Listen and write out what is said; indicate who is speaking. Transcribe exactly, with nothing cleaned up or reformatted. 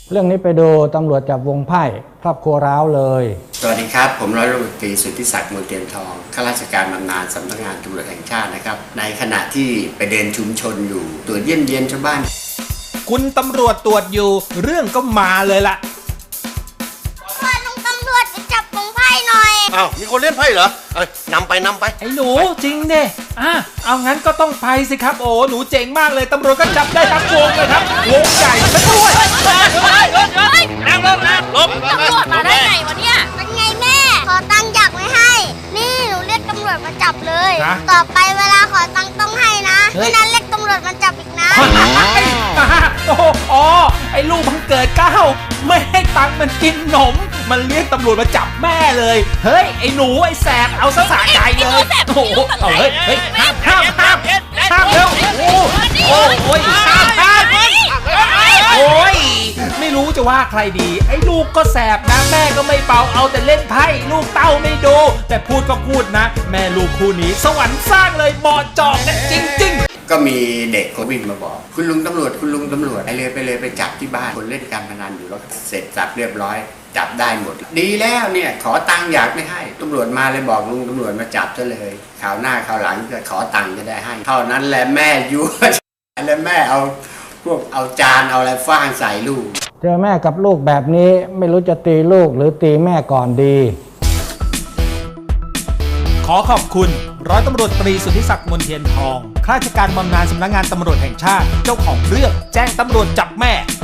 Speaker 1: เรื่องนี้ไปดูตำรวจจับวงไพ่ครอบครัวร้าวเลย
Speaker 2: สวัสดีครับผมร้อยตำรวจตรีสุทธิศักดิ์มนเทียนทองข้าราชการบำนาญสำนักงานตำรวจแห่งชาตินะครับในขณะที่ไปเดินชุมชนอยู่ตรวจเยี่ยมเยียนชาวบ้าน
Speaker 3: คุณตำรวจตรวจอยู่เรื่องก็มาเลยล่ะ
Speaker 4: พาลุงตำรวจไปจับวงไพ่หน่อย
Speaker 5: อ้าวมีคนเล่นไพ่เหรอเอ้ยนำไปนำไป
Speaker 3: ไอ้หนูจริงเด้อ่ะเอางั้นก็ต้องไปสิครับโอ้หนูเจ๋งมากเลยตำรวจก็จับได้ทั้งวงเลยครับวงใหญ่ซะด้วย
Speaker 5: นั่งลงนะลบ
Speaker 4: ตำรวจมาได้ไงวะเนี่ยเป็นไงแม่ขอตังค์อยากไม่ให้นี่หนูเรียกตำรวจมาจับเลยต่อไปเวลาขอตังค์ต้องให้นะไม่นั้นเรียกตำรวจมาจับอีกนะ
Speaker 3: โอ้อ๋อไอ้ลูกพังเกิดเก้าไม่ให้ตังค์มันกินขนมมันเรียกตำรวจมาจับแม่เลยเฮ้ยไอ้หนูไอ้แสบเอาซะสะใจเลยโอ้โหเอาเฮ้ยเฮ้ยห้ามห้ามห้ามห้ามเร็วโอ้โอ้โอ้ยห้ามห้ามโอ้ยไม่รู้จะว่าใครดีไอ้ลูกก็แสบนะแม่ก็ไม่เบาเอาแต่เล่นไพ่ลูกเต้าไม่ดูแต่พูดก็พูดนะแม่ลูกคู่นี้สวรรค์สร้างเลยเหมาะเจาะกันจริงๆ
Speaker 2: ก็มีเด็กคนวิ่งมาบอกคุณลุงตำรวจคุณลุงตำรวจไปเลยไปเลยไปจับที่บ้านคนเล่นการพนันอยู่แล้วเสร็จจับเรียบร้อยจับได้หมดดีแล้วเนี่ยขอตังค์อยากไม่ให้ตำรวจมาเลยบอกลุงตำรวจมาจับซะเลยคราวหน้าคราวหลังจะขอตังค์จะได้ให้เท่านั้นแหละแม่ยั่วแล้วแม่เอาพวกเอาจานเอาอะไรฟาดใส่ลูก
Speaker 1: เจอแม่กับลูกแบบนี้ไม่รู้จะตีลูกหรือตีแม่ก่อนดี
Speaker 3: ขอขอบคุณร้อยตำรวจตรีสุทธิศักดิ์มนเทียนทองข้าราชการบำนาญสำนักงานตำรวจแห่งชาติเจ้าของเรื่องแจ้งตำรวจจับแม่